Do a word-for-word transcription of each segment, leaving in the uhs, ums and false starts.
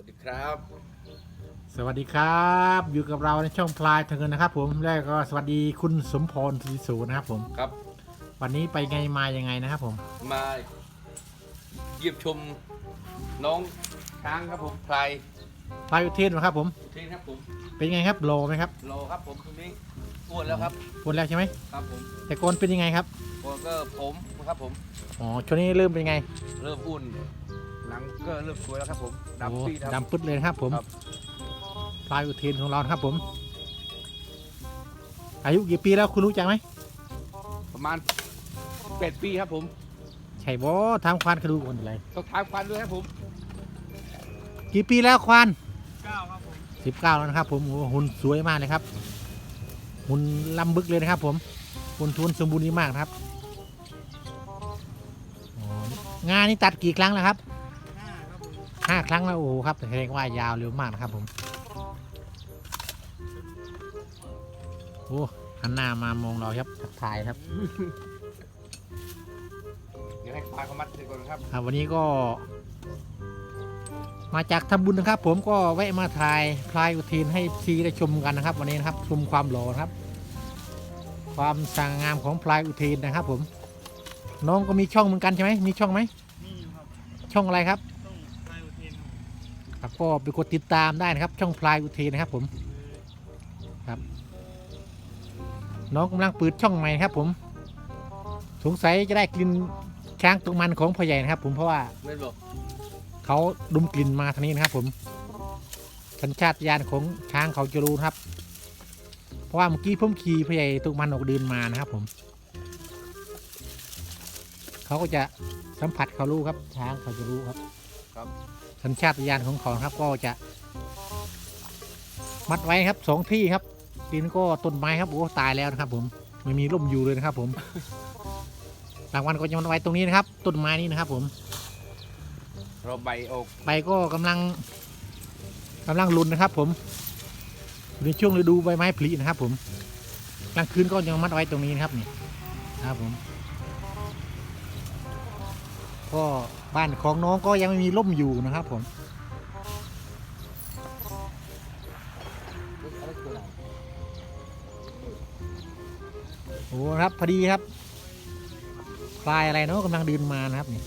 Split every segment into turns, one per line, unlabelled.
วัสดีครับ
สวัสดีครับอยู่กับเราในช่องพลายทางเงินนะครับผมแล้วก็สวัสดีคุณสมพรศรีสูรนะครับผม
ครับ
วันนี้ไปไงมายังไงนะครับผม
มาเยี่ยมชมน้องช้างครับผมพลาย
พลายอุเทนนะครับผม
เทนครับผม
เป็นไงครับโลไหมครับ
รอครับผมตรงนี้อ้วนแล้วครับ
ปวดแล้วใช่ไหม
ครับผม
แต่โกนเป็นยังไงครับ
ก็ก็ผมครับผม
อ๋อช่วงนี้เริ่มเป็นไง
เริ่มอ้วนหนังก็เริ่มสวยแล้วครับผม
โอ้
ดำปีดครับ
ดำปึ๊ดเลยนะครับผม
ครับ
พลายอุเทนของเรานะครับผม อายุกี่ปีแล้วคุณรู้จักไหม
ประมาณแปดปีครับผม
ใช่บ่ทำควานกระดูกคนอะไร
ต้องทางฟันด้วยครับผม
กี่ปีแล้วควาน
เก้าครับผม
สิบเก้าแล้วนะครับผมโอ้หุ่นสวยมากเลยครับหุ่นลำบึกเลยนะครับผมหุ่นทุนสมบูรณ์ดีมากนะครับอ๋องานนี้ตัดกี่ครั้งแล้วครับ
ห้าครับผม
ห้าครั้งแล้วโอ้โหครับแสดงว่ายาวเร็วมากนะครับผมโอ้หันหน้ามามองเราครับทักทายครับ
เดี๋ยวให้ปลาเขามัดเสร็จก่อนครับ
อ่าวันนี้ก็ มาจากทำบุญนะครับ ผมก็แวะมาถ่ายพลายอุเทนให้ซีได้ชมกันนะครับ วันนี้นะครับชมความหล่อนะครับ ความสง่างามของพลายอุเทนนะครับ ผม น้องก็มีช่องเหมือนกันใช่ไหมมีช่องไหม
มีอยู่ครับ
ช่องอะไรครับ
ต้องพายอุเทนครับ
ครับก็ไปกดติดตามได้นะครับ ช่องพลายอุเทนนะครับ ผมครับ น้องกำลังเปิดช่องใหม่ครับ ผม สงสัยจะได้กลิ่นช้างตกมันของพ่อใหญ่นะครับ ผมเพราะว่า
ไม่บอก
เขาดมกลิ่นมาทางนี้นะครับ ผมสัญชาตญาณของช้างเขาจะรู้นะครับ เพราะว่าเมื่อกี้ผมขี่พ่อใหญ่ตกมันออกเดินมานะครับ ผมเขาก็จะสัมผัสเขารู้ครับ ช้างเขาจะรู้ครับ
ครับ
สัญชาตญาณของเขาครับก็จะมัดไว้ครับสองที่ครับดินก็ต้นไม้ครับโอ้ตายแล้วนะครับ ผมไม่มีร่มอยู่เลยนะครับ ผมรางวัลก็จะมัดไว้ตรงนี้นะครับ ต้นไม้นี้นะครับ ผม
เราใบออก
ใบก็กำลังกำลังหลุนนะครับ ผมอยู่ในช่วงฤดูใบไม้ผลินะครับ ผมกลางคืนก็ยังมัดไว้ตรงนี้นะครับนี่นะครับ ผมก็บ้านของน้องก็ยังไม่มีร่มอยู่นะครับ ผมโอ้ครับพอดีครับปลายอะไรเนาะกำลังเดินมานะครับนี่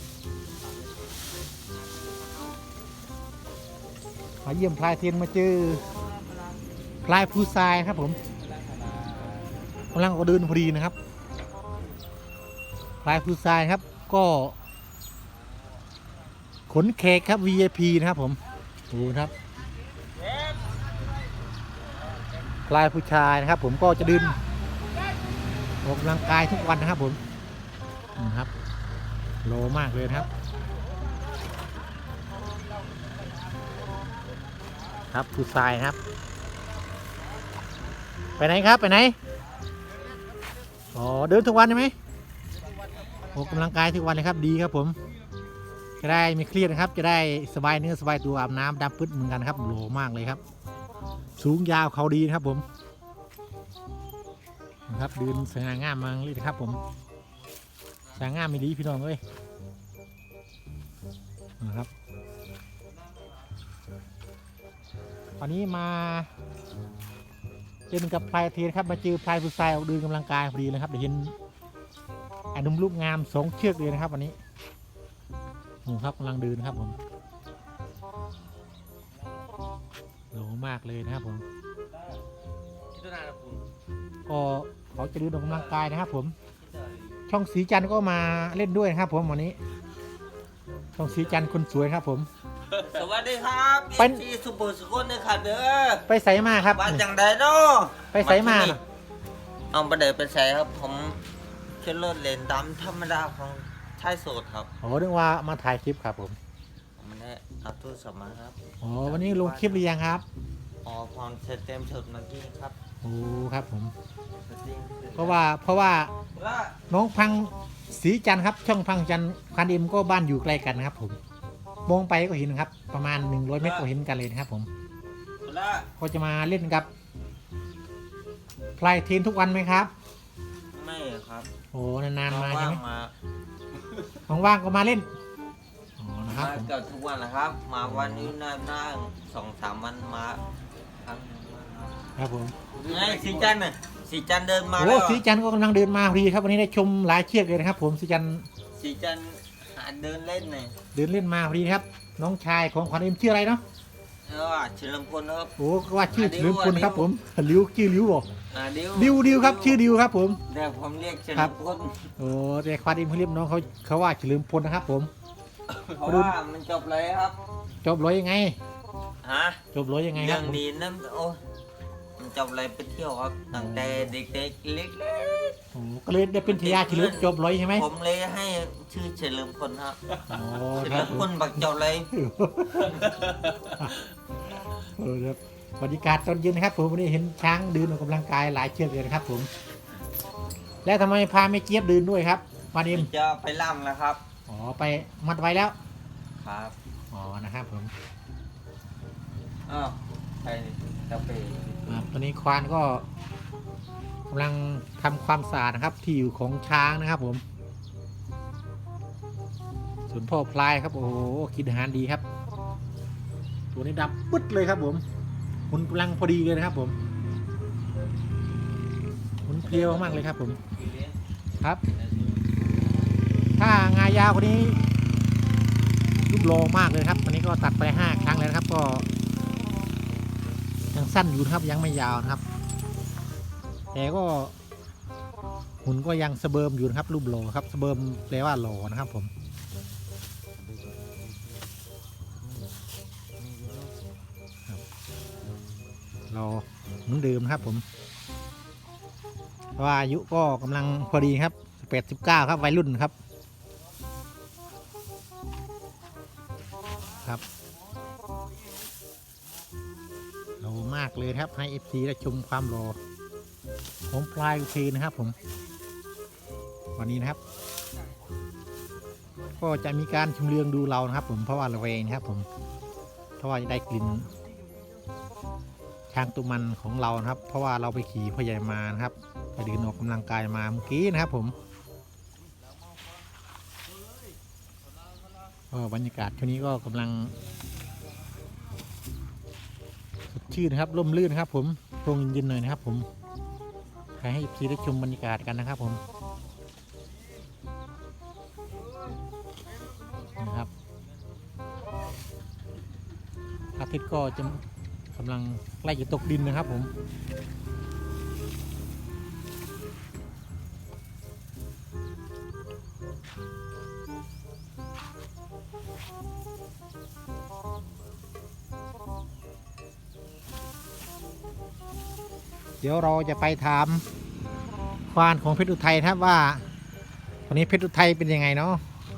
มาเยี่ยมพลายเทียนมาเจอพลายผู้ทรายครับ ผมกำลังก็เดินพอดีนะครับพลายผู้ทรายครับก็ขนแขกครับ วี ไอ พี นะครับ ผมดูนะครับพลายผู้ชายนะครับ ผมก็จะเดินออกกำลังกายทุกวันนะครับ ผมนะครับโลมากเลยนะครับครับผู้ชายครับไปไหนครับไปไหนอ๋อเดินทุกวันใช่ไหมออกกำลังกายทุกวันเลยครับดีครับ ผมจะได้ไม่เครียดนะครับจะได้สบายเนื้อสบายตัวอาบน้ำดำปึ๊ดเหมือนกันครับโหลมากเลยครับสูงยาวเขาดีนะครับ ผมนะครับเดินสง่างามมากเลยนะครับ ผมสง่างามไม่ดีพี่น้องเอ้ยนะครับวันนี้มาเจอกับพลายเทียนครับมาเจอพลายผู้ชายออกเดินกำลังกายพอดีนะครับเดี๋ยวเห็นอนุมลูกงามสองเชือกเลยนะครับวันนี้นี่ครับกำลังเดินครับ ผมโหลมากเลยนะครับ ผมก็เขาจะเดินออกกำลังกายนะครับ ผมช่องสีจันทร์ก็มาเล่นด้วยนะครับ ผมวันนี้ช่องสีจันทร์คนสวยครับ ผม
สวัสดีครับ
เป็น
ที่สุโขสุขนนะครับเด้อ
ไปใส่มาครับ
ว่าจังไดเนาะ
ไปใส่มาน่ะ
เอาไปเดินไปใส่ครับ ผมขึ้นรถเลนดำธรรมดาของชายโสดครับ
โอ้นึกว่ามาถ่ายคลิปครับ ผม
ผมไม่ได้เอาโทรศัพท์มาครับ
อ๋อวันนี้ลงคลิปหรือยังครับ
อ๋อพรเสร็จเต็มชุดเมื่อกี้ครับ
โอ้ครับ ผม
สวัสดี
เพราะว่าเพราะว่า
ว่า
น้องพังสีจันทร์ครับ ช่องพังจันทร์คันเอ็มก็บ้านอยู่ใกล้กันนะครับ ผมมองไปก็เห็นครับ ประมาณหนึ่งร้อยเมตรก็เห็นกันเลยนะครับ ผม
ว่า
ก็จะมาเล่นกับพลายเทนทุกวันไหมครับ
ไม่ครับ
โอ้นานๆมาใช่ไหม
ว่งๆมา
ว่างๆก็มาเล่นอ๋อนะครับครับ
มา
ผม
เกือบทุกวันนะครับ มาวันนี้น่าน่าสองสามวันมาครั้งหนึ่งวันครับ
ครับผม
ไงสีจันทร์น่ะสีจันทร์เดินมา
โอ้
แล้ว
สีจันทร์ก็กำลังเดินมาพอดีครับวันนี้ได้ชมหลายเชือกเลยนะครับ ผมสีจันทร์
สีจันทร์หาเดินเล่นหน่อย
เดินเล่นมาพอดีครับ น้องชายของขวัญเอ็มชื่ออะไรเนาะ
แล้วอ่ะเฉลิมพลนะครับ
โอ้ก็ว่าชื่อ
อ่าดิว
ลิวคนครับ
อ่าดิว
ผมลิวชื่อลิวบอก
อ่าดิว
ดิวดิวครับชื่อดิวครับผม
เดี๋ยวผมเรียกเฉ
ครั
ลิ
บ
มพล
โอ้แต่ควานเอ็มเขาเรียกน้องเขาเขาว่าเฉลิมพลนะครับผม
เพราะว่ามันจบเลยครับ
จบร้อยยังไง
ฮะ
จบร้อยยังไงค
เรื่
รั
อบ งนี้นั่นโอ้มันจบเลยไปเที่ยวครับตั้งแต่เด็กๆเล็ก
โอ้ก็เลยได้เป็นทายาทเฉลิมจบร้อยใช่ไหม
ๆผมเลยให้ชื่อเฉลิมพลครับ
โอ้
เฉ
ครั
ลิ
บ
ม
ผม
พลบักจบเลย
เออครับบรรยากาศตอนเย็นนะครับผมวันนี้เห็นช้างเดินออกกำลังกายหลายเชือกเลยนะครับผม แล้วทำไมพาไม่เจี๊ยบเดินด้วยครับมาดิม
จะไปล่ำแล้วครับ
อ๋อไปมัดไว้แล้ว
ครับ
อ๋อนะครับผม
อ้าวไปกาแฟ
อ่าตอนนี้ควานก็กำลังทำความสะอาดนะครับ ที่อยู่ของช้างนะครับผม ส่วนพ่อพลายครับโอ้โหกินอาหารดีครับ ตัวนี้ดำปึ๊ดเลยครับผมหุ่นกำลังพอดีเลยนะครับผมหุ่นเพลียวมากเลยครับผมครับ ถ้างายาวคนนี้ลูกโลมากเลยครับวันนี้ก็ตัดไปห้าครั้งแล้วนะครับ ก็ยังสั้นอยู่นะครับยังไม่ยาวนะครับ แต่ก็หุ่นก็ยังสะเบิมอยู่นะครับรูปโลครับสะเบิมแปลว่าโลนะครับผมเราเหมือนเดิมนะครับผมเพราะว่าอายุก็กำลังพอดีครับแปดสิบเก้าครับวัยรุ่นครับครับโลมากเลยครับให้ เอฟ ซี ได้ชมความโลของพลายอุเทนนะครับผมวันนี้นะครับ ก็จะมีการชมเลืองดูเรานะครับ ผมเพราะว่าระแวงนะครับผมเพราะว่าจะได้กลิ่นช้างตัวมันของเรานะครับ เพราะว่าเราไปขี่พ่อใหญ่มานะครับไปเดินออกกำลังกายมาเมื่อกี้นะครับผมก็บรรยากาศช่วงนี้ก็กำลังสดชื่นนะครับร่มรื่นนะครับ ผมโปร่งเย็นๆหน่อยนะครับ ผมใครให้พี่ได้ชมบรรยากาศกันนะครับ ผมนะครับพระอาทิตย์ก็จะกำลังใกล้จะตกดินนะครับผมเดี๋ยวเราจะไปถามควานของเพชรอุทัยนะครับว่าวันนี้เพชรอุทัยเป็นยังไงเนาะ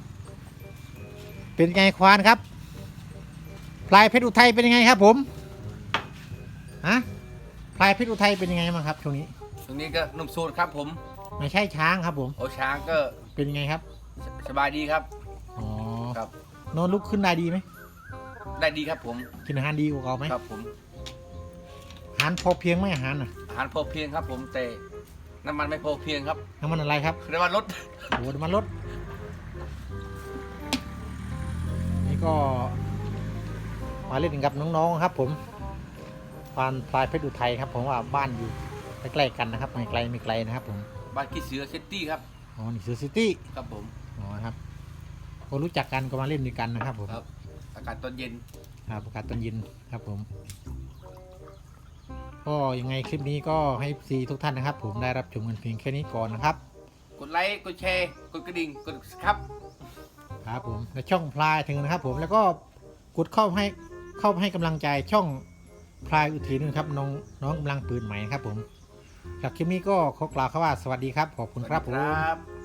เป็นไงควานครับพลายเพชรอุทัยเป็นยังไงครับผมฮะพลายเพชรอุทัยเป็นยังไงบ้างครับช่วงนี้
ตรงนี้ก็หนุ่มโสดครับผม
ไม่ใช่ช้างครับผม
โอช้างก็
เป็นยังไงครับ
สสบายดีครับ
อ๋อ
ครับ
นอนลุกขึ้นได้ดีไหม
ได้ดีครับผม
กินอาหารดีกว่าเก่าไหม
ครับผม
อาหารพอเพียงไหมอาหารน่ะ
อาหารพอเพียงครับผมแต่น้ำมันไม่พอเพียงครับ
น้ำมันอะไรครับ
เรียกว่ารถ
โอ้น้ำมันรถนี่ก็มาเล่นกับน้องๆครับ ผมควานพลายเพชรอุทัยครับ ผมว่าบ้านอยู่ใกล้ๆกันนะครับไม่ไกลไม่ไกลนะครับ ผม
บ้านขี้เสือซิตี้ครับ
อ๋อนี่เสือซิตี้
ครับผม
อ๋อครับก็รู้จักกันก็มาเล่นด้วยกันนะครับผม
ครับอากาศตอนเย็น
ครับประกาศตอนเย็นครับผม ก็ยังไงคลิปนี้ก็ให้ซีทุกท่านนะครับ ผมได้รับชมกันเพียงแค่นี้ก่อนนะครับ
กดไลค์กดแชร์กดกระดิ่งกดครับ
ครับผมและช่องพลายถึงนะครับ ผมแล้วก็กดเข้าให้เข้าให้กำลังใจช่องพลายอุทินนะครับน้องน้องกำลังปืนใหม่นะครับ ผมจากคลิปนี้ก็ขอกล่าวคำว่าสวัสดีครับขอบคุณครับผม
ครับ